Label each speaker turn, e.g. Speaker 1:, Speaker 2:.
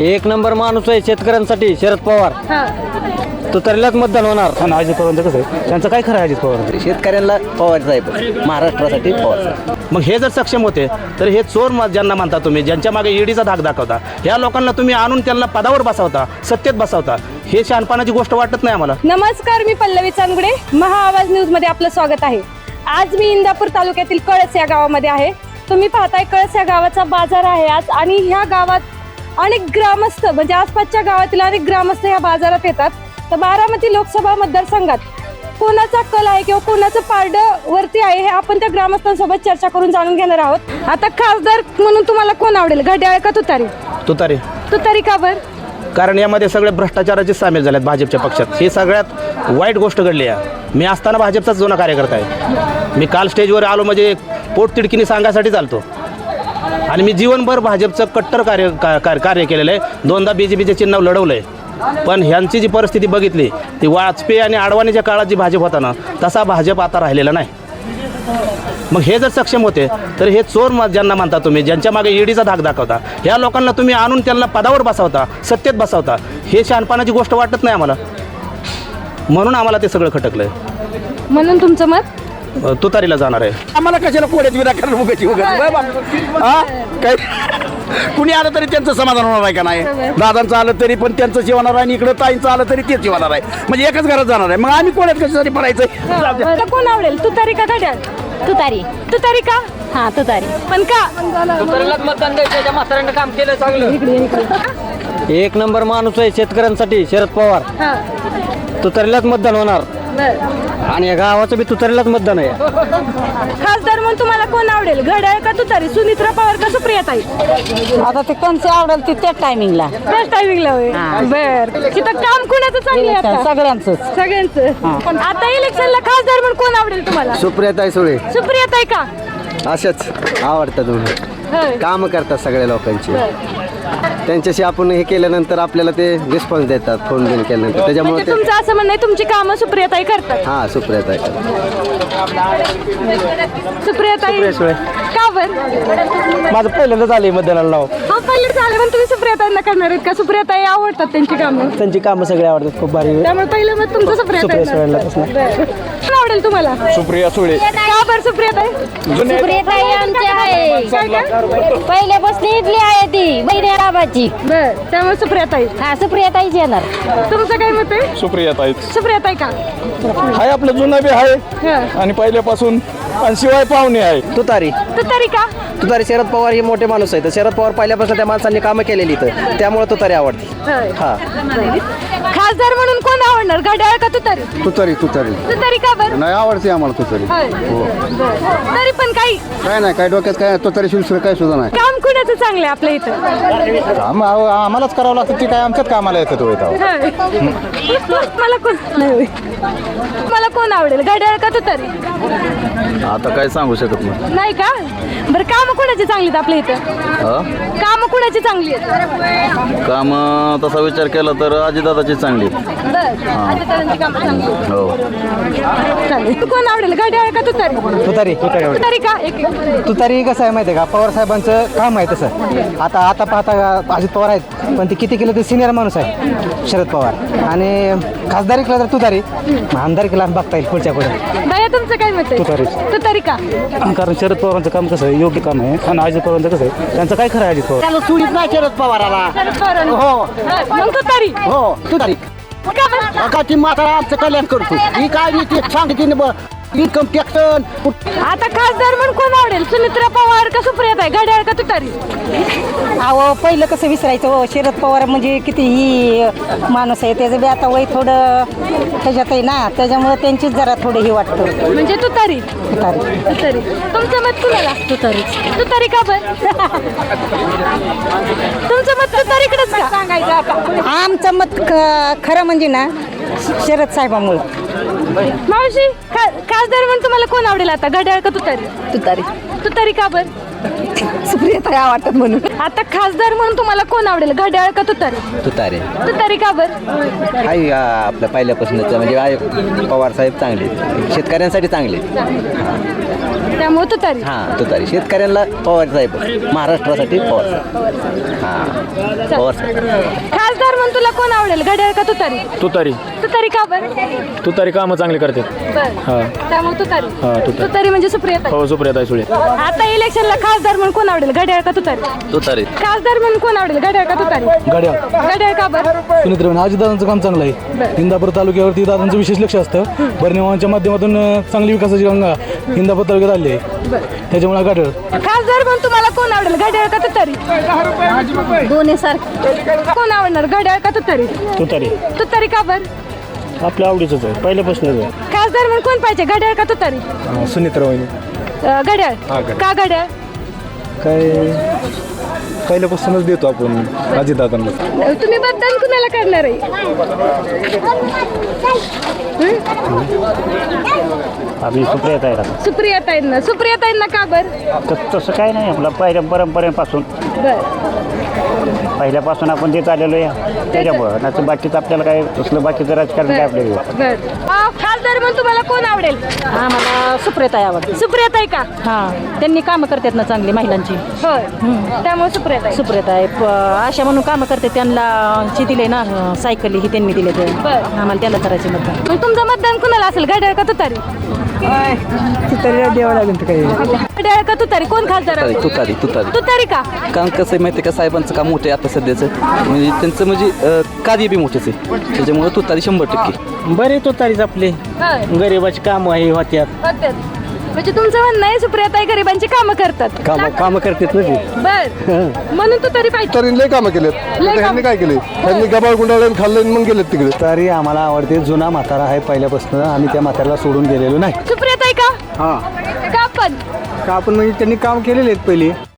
Speaker 1: एक नंबर माणूस आहे शेतकऱ्यांसाठी शरद पवार. तुतारीलाच मतदान होणार.
Speaker 2: आणि अजित पवारांचं कसं आहे, त्यांचं काय खरं आहे अजित पवार?
Speaker 3: शेतकऱ्यांना पवार साहेब, महाराष्ट्रासाठी पवार साहेब.
Speaker 2: मग हे जर सक्षम होते तर हे चोर ज्यांना म्हणता तुम्ही, ज्यांच्या मागे ईडीचा धाक दाखवता, ह्या लोकांना तुम्ही आणून त्यांना पदावर बसवता, सत्तेत बसवता, हे शहाणपणाची गोष्ट वाटत नाही आम्हाला.
Speaker 4: नमस्कार, मी पल्लवी चांदगुडे, महाआवाज न्यूज मध्ये आपलं स्वागत आहे. आज मी इंदापूर तालुक्यातील कळस या गावामध्ये आहे. तुम्ही पाहताय कळस या गावाचा बाजार आहे आज, आणि ह्या गावात अनेक ग्रामस्थ म्हणजे आसपासच्या गावातील अनेक ग्रामस्थ ह्या बाजारात येतात. तर बारामती लोकसभा मतदारसंघात कोणाचा कल आहे किंवा कोणाचं पारड वरती आहे हे आपण त्या ग्रामस्थांसोबत चर्चा करून जाणून घेणार आहोत. आता खासदार म्हणून तुम्हाला कोण आवडेल, घड्याळ का तुतारी?
Speaker 2: तुतारी.
Speaker 4: तुतारी का बर?
Speaker 2: कारण यामध्ये सगळे भ्रष्टाचाराचे सामील झालेत भाजपच्या पक्षात. ही सगळ्यात वाईट गोष्ट घडली आहे. मी असताना भाजपचाच जुना कार्यकर्ता आहे. मी काल स्टेजवर आलो म्हणजे पोटतिडकीने सांगायसाठी चालतो, आणि मी जीवनभर भाजपचं कट्टर कार्य केलेलं आहे. दोनदा BJPचे चिन्ह लढवलं आहे. पण ह्यांची जी परिस्थिती बघितली ती वाजपेयी आणि अडवाणीच्या काळात जी भाजप होता ना, तसा भाजप आता राहिलेला नाही. मग हे जर सक्षम होते तर हे चोर ज्यांना म्हणता तुम्ही, ज्यांच्या मागे ईडीचा धाक दाखवता, ह्या लोकांना तुम्ही आणून त्यांना पदावर बसवता, सत्तेत बसवता, हे शहाणपणाची गोष्ट वाटत नाही आम्हाला. म्हणून आम्हाला ते सगळं खटकलंय.
Speaker 4: म्हणून तुमचं मत
Speaker 2: तुतारीला जाणार आहे.
Speaker 3: आम्हाला कशाला कोड्याची विनाकारण उगाची काय कुणी आलं तरी त्यांचं समाधान होणार आहे का नाही? दादांचं आलं तरी पण त्यांचं जेवणार आहे, आणि इकडं ताईंचं आलं तरी तेच जेवणार आहे. म्हणजे एकच घरात जाणार आहे. मग आम्ही कोड्यात कशासाठी पडायचं?
Speaker 4: कोण आवडेल, तुतारी का घड्याळ?
Speaker 5: तुतारी.
Speaker 4: तुतारी का?
Speaker 5: हा, तुतारी.
Speaker 4: पण का?
Speaker 1: एक नंबर माणूस आहे शेतकऱ्यांसाठी शरद पवार. तुतारीलाच मतदान होणार. आणि या गावाचं बी तुतारीलाच मतदान आहे.
Speaker 4: खासदार म्हणून तुम्हाला कोण आवडेल, घड्याळ का तुतारी? सुनित्रा पवार का सुप्रियाताई?
Speaker 5: आता ते कोणते आवडेल ते त्या टायमिंगला.
Speaker 4: त्याच टायमिंगला होय. बर, तिथं काम कुणाचं चांगलं आहे आता?
Speaker 5: सगळ्यांचं.
Speaker 4: सगळ्यांचं. आता इलेक्शनला खासदार म्हणून कोण आवडेल तुम्हाला?
Speaker 3: सुप्रियाताई सुळे.
Speaker 4: सुप्रियाताई का?
Speaker 3: अशाच आवडतात तुम्ही,
Speaker 4: होय.
Speaker 3: कामं करतात सगळ्या लोकांची. त्यांच्याशी आपण हे केल्यानंतर आपल्याला ते रिस्पॉन्स देतात, फोन बिन केल्यानंतर. त्याच्यामुळे
Speaker 4: म्हणजे तुमचं असं म्हणणं आहे तुमची कामं सुप्रियाताई करतात?
Speaker 3: हां, सुप्रियाताई.
Speaker 4: सुप्रियाताई का बर?
Speaker 1: माझं पहिल्यांदाच आले मतदानाला नाव.
Speaker 4: हा, पहिले झाले पण तुम्ही सुप्रियाताईंना करणार आहेत का? सुप्रियाताई आवडतात त्यांची कामं?
Speaker 1: त्यांची कामं सगळे आवडतात, खूप भारी.
Speaker 4: त्यामुळे पहिलं मत तुमचं सुप्रियाताई. कोण आवडेल तुम्हाला?
Speaker 2: सुप्रिया सुळे.
Speaker 4: का बर सुप्रियाताई?
Speaker 5: सुप्रियाताई आमची आहे,
Speaker 4: काय का?
Speaker 5: पहिल्यापासून इथली आहे ती बाबाची.
Speaker 4: बर, त्यामुळे सुप्रियाताई.
Speaker 5: हा, सुप्रियाताईच येणार.
Speaker 4: तुमचं काय मत आहे?
Speaker 2: सुप्रियाताई
Speaker 4: सुप्रियाताई का?
Speaker 2: हाय, आपलं जुनं बी आहे आणि पहिल्यापासून, आणि शिवाय पाहुणे आहे.
Speaker 3: तुतारी.
Speaker 4: तुतारी का?
Speaker 3: तुतारी. शरद पवार हे मोठे माणूस आहेत. शरद पवार पहिल्यापासून त्या माणसांनी कामं केलेली, तर त्यामुळे तुतारी आवडते.
Speaker 4: हा. खासदार म्हणून कोण आवडणार, घड्याळ का तुतारी?
Speaker 3: तुतारी. तुतारी
Speaker 4: तुतारी का बर?
Speaker 3: नाही, आवडते आम्हाला तुतारी.
Speaker 4: तरी पण काही
Speaker 3: काय नाही, काय डोक्यात काय तुतारी शिवसेना काय सुद्धा नाही.
Speaker 4: काम कुणाचं चांगलं आहे आपल्या इथं?
Speaker 2: आम्हालाच करावं लागतं, ते काय आमच्याच कामाला येतं.
Speaker 4: मला कोण नाही, मला कोण आवडेल, घड्याळ का तुतारी?
Speaker 6: आता काय सांगू शकत नाही.
Speaker 4: नाही का? बरं, काम कुणाची चांगली आहेत आपल्या इथं? काम कुणाची चांगली आहेत?
Speaker 6: काम तसा विचार केला तर अजितदादाची चांगली. हो.
Speaker 4: चालेल. कोण आवडेल, घड्याळ का तुतारी?
Speaker 1: तुतारी.
Speaker 4: तुतारी का?
Speaker 1: तुतारी कसं आहे माहिती आहे का, पवार साहेबांचं काम आहे तसं. आता पाहता अजित पवार आहेत, पण ते किती केलं ते सिनियर माणूस आहे शरद पवार. आणि खासदारी केला तर तुतारी, आमदार केला बघता येईल पुढच्या पुढे.
Speaker 4: बाया, तुमचं काय मत आहे?
Speaker 2: तुतारी.
Speaker 4: तुतारी का?
Speaker 2: कारण शरद पवारांचं काम कसं आहे, योग्य काम आहे. आणि अजित पवारांचं कसं आहे, त्यांचं काय खरं आहे अजित पवार?
Speaker 3: त्याला सुडीत नाही शरद पवाराला.
Speaker 4: शरद पवार.
Speaker 3: हो.
Speaker 4: मग तुतारी.
Speaker 3: हो, तुतारी.
Speaker 4: का बरं?
Speaker 3: का ती म्हातारा आमचं कल्याण करतो, ही काय ती सांगते इन्कम टॅक्स.
Speaker 4: आता खासदार म्हणून कोण आवडेल, सुनित्रा पवार का सुप्रियाताई, घड्याळ का तुतारी?
Speaker 5: अहो, पहिलं कसं विसरायचं हो, शरद पवार म्हणजे किती ही माणूस आहे. त्याचं बी आता वय थोडं त्याच्यात आहे ना, त्याच्यामुळे त्यांचीच जरा थोडं ही वाटतं.
Speaker 4: म्हणजे तुतारी.
Speaker 5: तुतारी.
Speaker 4: तुतारी. तुमचं मत कुणाला?
Speaker 5: तुतारी.
Speaker 4: तुतारी का बर? तुमचं मत तुतारीकडेच का? सांगायचं आता.
Speaker 5: आमचं मत खरं म्हणजे ना शरद साहेबांमुळं.
Speaker 4: मावशी, खासदार म्हणून तुम्हाला कोण आवडेल आता, घड्याळ का तुतारी?
Speaker 5: तुतारी.
Speaker 4: तुतारी का बर?
Speaker 5: सुप्रियाताई आवडतात म्हणून.
Speaker 4: आता खासदार म्हणून तुम्हाला कोण आवडेल, घड्याळ का तुतारी?
Speaker 7: तुतारे
Speaker 4: तुतारी का बरं?
Speaker 7: हाय आपल्या पहिल्यापासूनच म्हणजे पवार साहेब चांगले शेतकऱ्यांसाठी चांगले.
Speaker 4: त्यामुळे तुतारी.
Speaker 7: हां तुतारी शेतकऱ्यांना पवार साहेब महाराष्ट्रासाठी पवार साहेब. हां पवार साहेब.
Speaker 4: खासदार म्हणून तुला कोण आवडेल, घड्याळ का तुतारी?
Speaker 8: तुतारी
Speaker 4: तुतारी का बरं?
Speaker 8: तुतारी कामं चांगली करते.
Speaker 4: बरं. त्यामुळे तुतारी.
Speaker 8: तुतारी.
Speaker 4: तुतारी म्हणजे सुप्रियाताई.
Speaker 8: हो सुप्रियाताई सुळे.
Speaker 4: आता इलेक्शनला खासदार म्हणून कोण आवडेल, घड्याळ का तुतारी?
Speaker 6: तुतारी
Speaker 4: खासदार म्हणून कोण आवडेल, घड्याळ का तुतारी? घड्याळ का बरं?
Speaker 9: सुनीत्र अजितदादांचं काम चांगलं आहे. इंदापूर तालुक्यावरती दादांचं विशेष लक्ष असतं. बर्निवांच्या माध्यमातून चांगली विकासाची गंगा इंदापूर तालुक्यात आली आहे. त्याच्यामुळे गाठळ.
Speaker 4: खासदार म्हणून तुम्हाला कोण आवडेल, घड्याळ का तुतारी?
Speaker 5: दोन्ही सारखे.
Speaker 4: कोण आवडणार, घड्याळ का तुतारी?
Speaker 8: तुतारी
Speaker 4: तुतारी का बरं?
Speaker 8: आपल्या आवडीच आहे पहिल्यापासूनच आहे.
Speaker 4: खासदार म्हणून कोण पाहिजे, घड्याळ का तुतारी?
Speaker 9: सुनीत्र वहिनी
Speaker 4: घड्याळ. का घड्याळ?
Speaker 9: काय पहिल्यापासूनच देतो आपण अजितदादांना.
Speaker 4: तुम्ही मतदान कुणाला करणार आहे?
Speaker 8: आम्ही सुप्रियाताई
Speaker 4: सुप्रियाताईंना. सुप्रियाताईंना का बरं?
Speaker 8: तसं काय नाही आपलं परंपरेपासून पहिल्यापासून आपण देत आलेलो आहे त्याच्यामुळं नाही बाकीचं आपल्याला काय तसलं बाकीचं राजकारण काय आपल्याला.
Speaker 4: खासदार म्हणून तुम्हाला कोण आवडेल?
Speaker 5: आम्हाला सुप्रियाताई आवडते.
Speaker 4: सुप्रियाताई का?
Speaker 5: हां त्यांनी कामं करतात ना चांगली महिलांची.
Speaker 4: होय. त्यामुळे सुप्रियाताई.
Speaker 5: सुप्रियाताई अशा म्हणून कामं करते. त्यांना जी दिले ना सायकली ही त्यांनी दिले तर
Speaker 4: बरं.
Speaker 5: आम्हाला त्याला करायचे मतदान.
Speaker 4: मग तुमचं मतदान कुणाला असेल, घड्याळ का तुतारी?
Speaker 1: द्यावं लागेल तर काही.
Speaker 4: घड्याळ का तुतारी? कोण खासदार असेल?
Speaker 7: तुतारी तुतारी
Speaker 4: तुतारी का?
Speaker 7: काम कसं आहे माहिती आहे का साहेबांचं काम मोठं आहे आता सध्याचं म्हणजे त्यांचं म्हणजे कार्य बी मोठेच आहे त्याच्यामुळे तुतारी 100%.
Speaker 2: बरे तुतारीच आपले
Speaker 4: होय.
Speaker 2: गरीबाची कामं आहे होत्यात.
Speaker 4: होत्यात. म्हणजे तुमचं म्हणणं आहे सुप्रियाताई गरिबांची कामं करतात.
Speaker 1: कामं करतात ना ती.
Speaker 4: बर. म्हणून तुतारी पाहिजे.
Speaker 10: तरी लय कामं केलेत.
Speaker 4: लय कामं.
Speaker 10: ह्यांनी काय केले, ह्यांनी गबाळ गुंडाळून खाल्लं मग गेलेत तिकडे.
Speaker 1: तरी आम्हाला आवडते. जुना म्हातारा आहे पहिल्यापासून, आम्ही त्या म्हाताऱ्याला सोडून गेलेलो नाही.
Speaker 4: सुप्रियाताई का?
Speaker 1: हां
Speaker 4: का पण?
Speaker 1: का आपण म्हणजे त्यांनी काम केलेले आहेत पहिले.